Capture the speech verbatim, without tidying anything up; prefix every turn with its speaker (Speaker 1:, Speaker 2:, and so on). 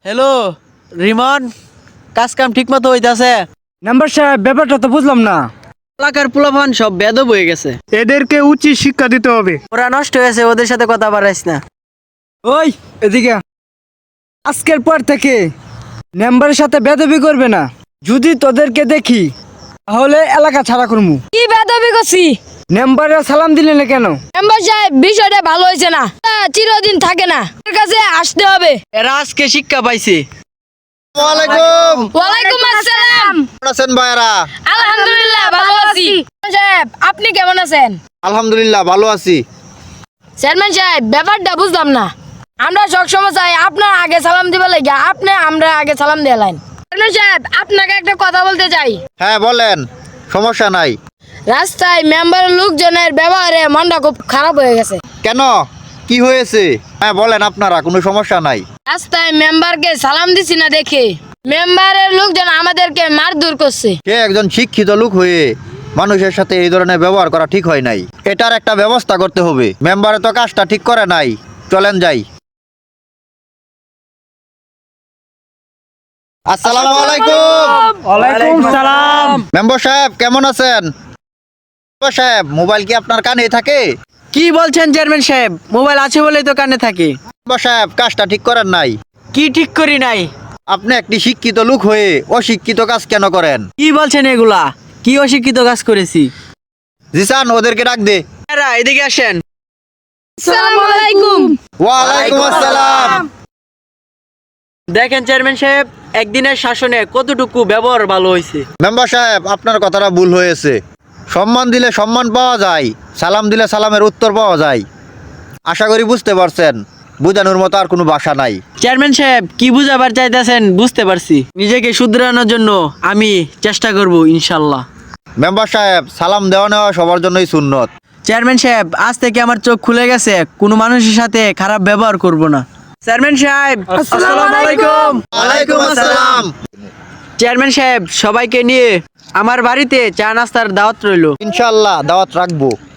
Speaker 1: Hello Rimon, কাজ কাম ঠিক মতো হইতাছে?
Speaker 2: নাম্বার সাহেব, ব্যাপারটা তো বুঝলাম না।
Speaker 1: এলাকার পোলাপান সব বেদব হয়ে গেছে,
Speaker 3: এদেরকে উচিত শিক্ষা দিতে হবে।
Speaker 1: ওরা নষ্ট হয়েছে, ওদের সাথে কথা বাড়াইস না।
Speaker 2: ওই এদিকে আ। আজকের পর থেকে মেম্বারের সাথে বেদবি করবে না। যদি তোদেরকে দেখি তাহলে এলাকা ছাড়া করমু।
Speaker 4: কি বেদবি করছি?
Speaker 2: মেম্বারের সালাম দিলে না কেন?
Speaker 4: মেম্বার সাহেব, বিষয়টা ভালো হয়েছে না, তা চিরদিন থাকে না, এর কাছে আসতে হবে।
Speaker 1: এরা আজকে শিক্ষা পাইছে।
Speaker 5: ওয়ালাইকুম
Speaker 4: ওয়ালাইকুম আসসালাম।
Speaker 5: কেমন আছেন ভাইরা?
Speaker 4: আলহামদুলিল্লাহ ভালো আছি। চেয়ারম্যান সাহেব, আপনি কেমন আছেন?
Speaker 5: আলহামদুলিল্লাহ ভালো আছি।
Speaker 4: চেয়ারম্যান সাহেব, ব্যাপারটা বুঝলাম না। আমরা সবসময় চাই আপনার আগে সালাম দিবে লাগে, আপনি আমরা আগে সালাম দিয়ে লাইন। চেয়ারম্যান সাহেব, আপনাকে একটা কথা বলতে চাই।
Speaker 5: হ্যাঁ বলেন, সমস্যা নাই।
Speaker 4: রাস্তায় মেম্বারের লোকজনের ব্যবহারে মনটা খুব খারাপ হয়ে গেছে।
Speaker 5: কেন, কি হয়েছে? হ্যাঁ বলেন, আপনারা কোনো সমস্যা নাই।
Speaker 4: রাস্তায় মেম্বারকে সালাম দিছি না দেখে মেম্বারের লোকজন আমাদেরকে মারধর করছে।
Speaker 5: কে একজন শিক্ষিত লোক হয়ে মানুষের সাথে এই ধরনের ব্যবহার করা ঠিক হয় নাই। এটার একটা ব্যবস্থা করতে হবে। মেম্বারে তো কাজটা ঠিক করে নাই, চলেন যাই। আসসালামু আলাইকুম।
Speaker 2: ওয়ালাইকুম সালাম।
Speaker 5: মেম্বার সাহেব কেমন আছেন? মেম্বার সাহেব, মোবাইল কি আপনার কানে থাকে?
Speaker 1: কি বলছেন চেয়ারম্যান সাহেব? মোবাইল আছে বলেই তো কানে থাকে।
Speaker 5: মেম্বার সাহেব, কাজটা ঠিক করেন নাই।
Speaker 1: কি ঠিক করি নাই?
Speaker 5: আপনি একটি শিক্ষিত লোক হয়ে অশিক্ষিত কাজ কেন করেন?
Speaker 1: কি বলছেন এগুলা? কি অশিক্ষিত কাজ করেছি?
Speaker 5: জিসান, ওদেরকে ডাক দে।
Speaker 1: এরা এদিকে আসেন।
Speaker 4: আসসালামু আলাইকুম।
Speaker 5: ওয়ালাইকুম আসসালাম।
Speaker 1: দেখেন চেয়ারম্যান সাহেব, একদিনের শাসনে কতটুকু ব্যবহার ভালো হয়েছে।
Speaker 5: মেম্বার সাহেব, আপনার কথাটা ভুল হয়েছে। সম্মান দিলে সম্মান পাওয়া যায়, সালাম দিলে সালামের উত্তর পাওয়া যায়। আশা করি বুঝতে পারছেন। বোঝানোর মতো আর কোনো ভাষা নাই।
Speaker 1: চেয়ারম্যান সাহেব, কি বুঝাবার চাইতেছেন বুঝতে পারছি। নিজেকে শুধরানোর জন্য আমি চেষ্টা করব ইনশাল্লাহ।
Speaker 5: মেম্বার সাহেব, সালাম দেওয়া নেওয়া সবার জন্যই সুন্নত।
Speaker 1: চেয়ারম্যান সাহেব, আজ থেকে আমার চোখ খুলে গেছে, কোনো মানুষের সাথে খারাপ ব্যবহার করব না। চেয়ারম্যান সাহেব আসসালামু আলাইকুম।
Speaker 5: ওয়ালাইকুম আসসালাম।
Speaker 1: চেয়ারম্যান সাহেব, সবাইকে নিয়ে আমার বাড়িতে চা নাস্তার দাওয়াত রইল।
Speaker 5: ইনশাআল্লাহ দাওয়াত রাখবো।